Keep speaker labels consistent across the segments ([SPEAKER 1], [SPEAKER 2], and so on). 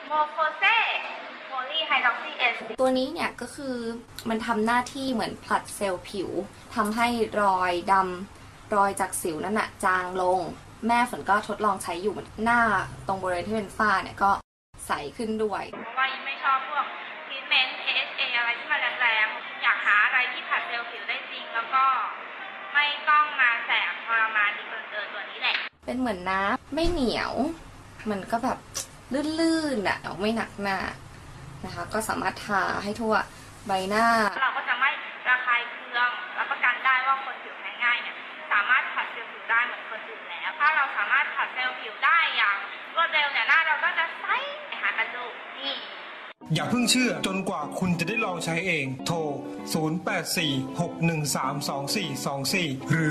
[SPEAKER 1] โมโคเซโพลีไฮดรอกซีเอส
[SPEAKER 2] ตัวนี้เนี่ยก็คือมันทำหน้าที่เหมือนผลัดเซลล์ผิวทำให้รอยดำรอยจากสิวนั่นน่ะจางลงแม่ฝนก็ทดลองใช้อยู่หน้าตรงบริเวณที่เป็นฝ้าเนี่ยก็ใสขึ้นด้วย
[SPEAKER 1] เพราะว่าไม่ชอบพวกทรีทเมนต์ AHA อะไรที่มันแรงๆอยากหาอะไรที่ผลัดเซลล์ผิวได้จริงแล้วก็ไม่ต้องมาแสบทรมานดีเกินตัวนี้แหละ
[SPEAKER 2] เป็นเหมือนน้ำไม่เหนียวมันก็แบบลื่นๆอ่ะไม่หนักหน้านะคะก็สามารถทาให้ทั่วใบหน้า
[SPEAKER 1] เราก็จะไม่ระคายเคืองรับประกันได้ว่าคนผิวแพ้ง่ายเนี่ยสามารถผัดเซลล์ผิวได้เหมือนคนอื่นแล้วถ้าเราสามารถผัดเซลล์ผิวได้อย่างรวดเร็วเนี่ยหน้าเราก็จะใสหากันดูนี่
[SPEAKER 3] อย่าเพิ่งเชื่อจนกว่าคุณจะได้ลองใช้เองโทร0846132424หรือ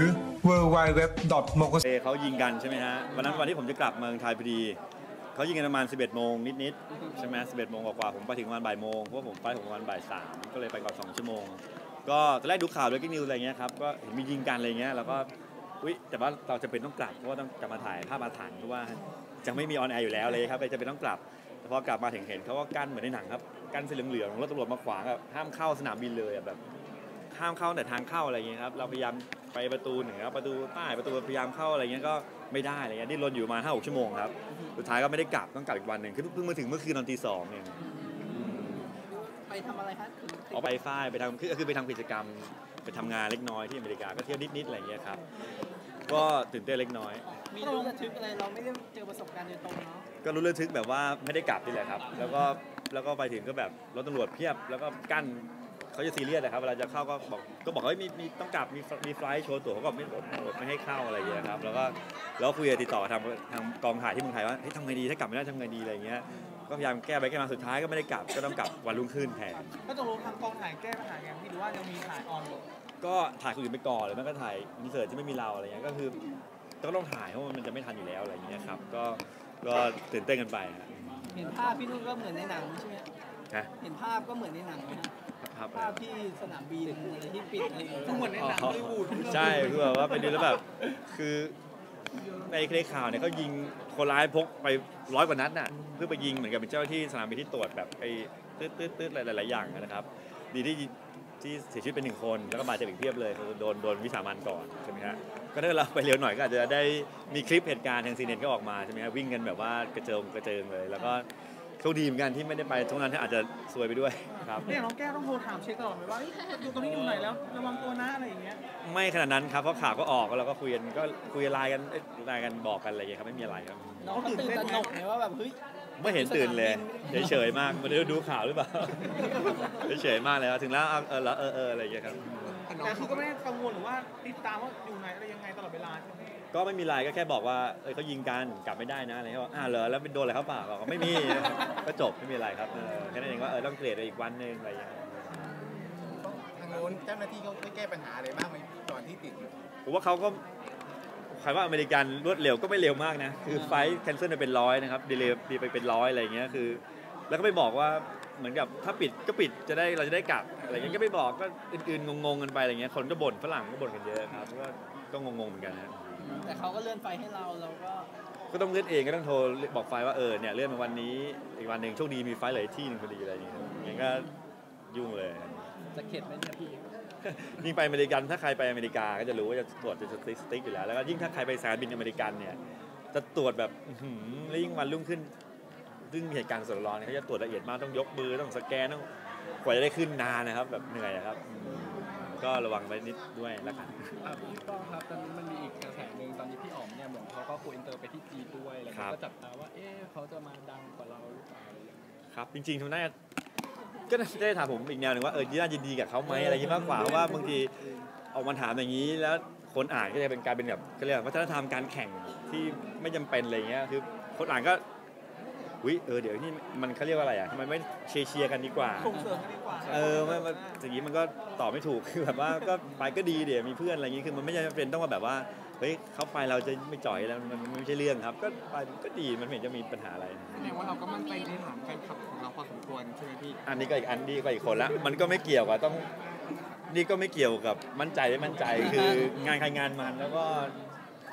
[SPEAKER 3] www.mokose
[SPEAKER 4] เขายิงกันใช่ไหมฮะวันที่ผมจะกลับเมืองไทยพอดีเขายิงกันประมาณ 11 โมงนิดๆใช่ไหม11 โมงกว่าผมไปถึงประมาณบ่ายโมงเพราะผมไปถึงประมาณบ่าย 3ก็เลยไปก่อน2 ชั่วโมงก็ตอนแรกดูข่าวด้วยกิ๊กนิวอะไรเงี้ยครับก็เห็นมียิงกันอะไรเงี้ยแล้วก็แต่ว่าเราจะเป็นต้องกลับเพราะว่าต้องกลับมาถ่ายภาพอาถรรพ์เพราะว่าจะไม่มีออนแอร์อยู่แล้วเลยครับจะเป็นต้องกลับพอกลับมาถึงเห็นเขาก็กั้นเหมือนในหนังครับกั้นสีเหลืองๆรถตำรวจมาขวางแบบห้ามเข้าสนามบินเลยแบบห้ามเข้าแต่ทางเข้าอะไรเงี้ยครับเราพยายามไปประตูเหนือประตูใต้ประตูพยายามเข้าอะไรเงี้ยก็ไม่ได้อะไรเงี้ยดิ้นรนอยู่มา5-6 ชั่วโมงครับสุดท้ายก็ไม่ได้กลับต้องกลับอีกวันหนึ่งคือเพิ่งมาถึงเมื่อคืนตอนตี 2เนี่ย
[SPEAKER 5] ไปทำอะไรครับ
[SPEAKER 4] ออกไปฝ้ายไปทำคือไปทำกิจกรรมไปทำงานเล็กน้อยที่อเมริกาก็เที่ยวนิดๆอะไรเงี้ยครับก็ตื่นเต้นเล็กน้อย
[SPEAKER 5] มีรู้ระทึกอะไรเราไม่ได้เจอประสบการณ์โดยตรงเนาะ
[SPEAKER 4] ก็รู้ระทึกแบบว่าไม่ได้กลับนี่แหละครับแล้วก็ไปถึงก็แบบรถตำรวจเพียบแล้วก็กั้นเขาจะซีเรียสนะครับเวลาจะเข้าก็บอกว่ามีต้องกลับมีไฟล์โชว์ตั๋วเขาก็ไม่ให้เข้าอะไรอย่างเงี้ยครับแล้วคุยติดต่อทางกองถ่ายที่เมืองไทยว่าทำไงดีถ้ากลับไม่ได้ทำไงดีอะไรเงี้ยก็พยายามแก้ไปแก้มาสุดท้ายก็ไม่ได้กลับก็ต้องกลับวันรุ่งขึ้นแทน
[SPEAKER 5] ก็ต้องรู้ทางกองถ่ายแก้ปัญหาไงพี่หรือว่ายังมีถ่ายออนอยู่
[SPEAKER 4] ก็ถ่ายคนอื่นไปก่อนหรือไม่ก็ถ่ายอินเสิร์ตที่ไม่มีเราอะไรเงี้ยก็คือก็ต้องถ่ายเพราะมันจะไม่ทันอยู่แล้วอะไรอย่างเงี้ยครับก็ตื่นเต้นกันไป
[SPEAKER 5] เห็นภาพพี่นุ่นก็เหมือนในหนังใช่ไหมเห็นภาพก็เหมือนในหนังภาพที่สนามบินอะไรที่ปิดอะไรก็เหมือนในหนังฮอลลีวูด
[SPEAKER 4] ใช่คือแบบว่าไปดูแล้วแบบคือในคลิปข่าวเนี่ยเขายิงคนร้ายพกไป100 กว่านัดน่ะเพื่อไปยิงเหมือนกับเป็นเจ้าหน้าที่สนามบินที่ตรวจแบบไอ้ตืดหลายๆอย่างนะครับดีที่เสียชีวิตเป็น1 คนแล้วก็บาดเจ็บอีกเพียบเลยโดนวิสามันก่อนใช่ไหมฮะก็ถ้าเราไปเร็วหน่อยก็อาจจะได้มีคลิปเหตุการณ์ทางซีเน็ตก็ออกมาใช่ไหมฮะวิ่งกันแบบว่ากระเจิงเลยแล้วก็โชคดีเหมือนกันที่ไม่ได้ไปทุกนั้นที่อาจจะซวยไปด้วยครับ
[SPEAKER 5] เนี่ยน้องแก้วต้องโทรถามเช็คตลอดไหมว่าอยู่ตรงนี้อยู่ไหนแล้วระวังตัวนะอะไรอย่างเงี้ย
[SPEAKER 4] ไม่ขนาดนั้นครับเพราะข่าวก็ออกแล้วเราก็คุยไลน์กันบอกกันอะไรอย่างเงี้ยครับไม่มีอะไรครับ
[SPEAKER 5] น้องตื่นตระหนกไหมว่าแบบเฮ้ย
[SPEAKER 4] ไม่เห็นตื่นเลยเฉยมากไม่ได้ดูข่าวหรือเปล่าเฉยมากเลยถึงแล้วอะไรอย่างเงี้ยครับ
[SPEAKER 5] แต่คือก็ไม่ได้กังวลหรือว่าติดตามว่าอยู่ไหนอะไรยังไงตลอดเวลาใช่ไหม
[SPEAKER 4] ก็ไม่มีอะไรก็แค่บอกว่าเขายิงกันกลับไม่ได้นะอะไรเขาบอกเหรอแล้วเป็นโดนอะไรเขาเปล่าบอกไม่มีก็จบไม่มีอะไรครับแค่นั้นเองว่าต้องเกลียดอีกวันนึงอะไรอย่างเงี้ย
[SPEAKER 6] ทางโน้นเจ้าหน้าที่เขาแก้ปัญหาอะไรบ้างไหมตอนที่ติด
[SPEAKER 4] ผมว่าเขาก็ใครว่าอเมริกันรวดเร็วก็ไม่เร็วมากนะคือไฟล์แคนเซิลไปเป็น100นะครับดีเลย์ไปเป็น100อะไรอย่างเงี้ยคือแล้วก็ไม่บอกว่าเหมือนกับถ้าปิดก็ปิดเราจะได้กลับอะไรเงี้ยก็ไม่บอกก็อื่นๆงงกันไปอะไรเงี้ยคนก็บ่นฝรั่งก็บ่นกันเยอะครับก็งงเหมือนกันนะ
[SPEAKER 5] แต่เขาก็เลื่อนไฟให้เรา
[SPEAKER 4] ก็ต้องเลื่อนเองก็ต้องโทรบอกไฟว่าเนี่ยเลื่อนมาวันนี้อีกวันหนึ่งโชคดีมีไฟเหลือที่นึงพอดีอะไรอย่างเงี้ยงั้นก็ยุ่งเลย
[SPEAKER 5] จะเข็ดไหมเนี่ยพี่
[SPEAKER 4] ยิ่งไปอเมริกันถ้าใครไปอเมริกาก็จะรู้ว่าจะตรวจจะสติ๊กอยู่แล้วแล้วก็ยิ่งถ้าใครไปสายบินอเมริกันเนี่ยจะตรวจแบบแล้วยิ่งวันรุ่งขึ้นซึ่งมีเหตุการณ์สดร้อนเขาจะตรวจละเอียดมากต้องยกมือต้องสแกนต้องกว่าจะได้ขึ้นนานนะครับแบบเหนื่อยครับก็ระวังไว้นิดด้วยแล้วกัน
[SPEAKER 5] พี่ป้องครับตอนนี้มันมีอีกกระแสหนึ่งตอนนี้พี่อ๋อมเนี่ยเหมือนเขาก็โกอินเตอร์ไปที่จีนด้วยแล้วก็จับตาว่าเขาจะมาดังกว่าเราหรือเปล่า
[SPEAKER 4] ครับจริงๆทำได้ก็ได้ถามผมอีกแนวหนึ่งว่าน่ายินดีกับเขาไหมอะไรอย่างนี้มากกว่าเพราะว่าบางทีออกมาถามอย่างนี้แล้วคนอ่านก็จะเป็นการเป็นแบบเขาเรียกวัฒนธรรมการแข่งที่ไม่จำเป็นอะไรเงี้ยคือคนอ่านก็เดี๋ยวนี่มันเขาเรียกว่าอะไรทำไมไม่เชียร์กันดีกว่า
[SPEAKER 5] ส่งเสริมกันดีกว่า
[SPEAKER 4] อย่างนี้มันก็ตอบไม่ถูกคือแบบว่าก็ไปก็ดีเดี๋ยวมีเพื่อนอะไรอย่างนี้คือมันไม่จำเป็นต้องมาแบบว่าเขาไปเราจะไม่จ่อยแล้วมันไม่ใช่เรื่องครับก็ไปก็ดีมันไม่เห็นจะมีปัญหาอะไร
[SPEAKER 6] แสดงว่าเราก็มั่นใจในฐานแฟนคลับของเราพอสมควรใช่ไหมพี่
[SPEAKER 4] อันนี้ก็อีกคนละมันก็ไม่เกี่ยวกับนี่ก็ไม่เกี่ยวกับมั่นใจไม่มั่นใจคืองานใครงานมันแล้วก็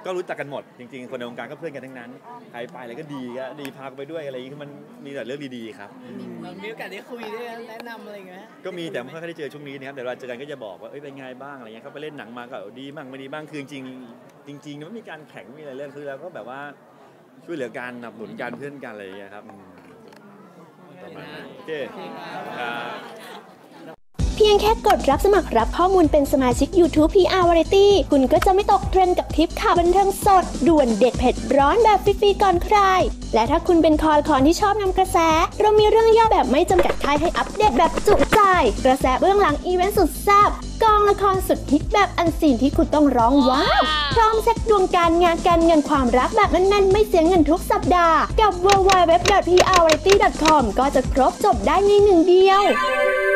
[SPEAKER 4] ก็รู้จักกันหมดจริงๆคนในวงการก็เพื่อนกันทั้งนั้นใครไปอะไรก็ดีพาไปด้วยอะไรอย่างนี้คือมันมีแต่เรื่องดีๆครับ
[SPEAKER 5] มีโอกาสได้คุยได้แนะนำอะไรอย่างเงี้ย
[SPEAKER 4] ก็มีแต่ไม่ค่อยได้เจอช่วงนี้นะครับแต่เวลาเจอกันก็จะบอกว่าเอ้ยเป็นไงบ้างอะไรเงี้ยเขาไปเล่นหนังมาก็ดีบ้างไม่ดีบ้างคือจริงๆมันมีการแข่งมีอะไรเรื่องคือเราก็แบบว่าช่วยเหลือการสนับสนุนการเพื่อนกันอะไรอย่างเงี้ยครับประมาณนั้นโอเคครับ
[SPEAKER 7] เพียงแค่กดรับสมัครรับข้อมูลเป็นสมาชิก YouTube PR Variety คุณก็จะไม่ตกเทรนด์กับทริปข่าวบันเทิงสดด่วนเด็ดเผ็ดร้อนแบบฟรีๆก่อนใคร และถ้าคุณเป็นคอที่ชอบนำกระแส เรามีเรื่องย่อแบบไม่จำกัดค่ายให้อัปเดตแบบจุใจ กระแสเบื้องหลังอีเวนต์สุดแซ่บกองละครสุดฮิตแบบอันซีนที่คุณต้องร้องว้าวพร้อมเช็คดวงการงานการเงินความรักแบบแน่นๆไม่เสียเงินทุกสัปดาห์กับ www.prvariety.com ก็จะครบจบได้ในหนึ่งเดียว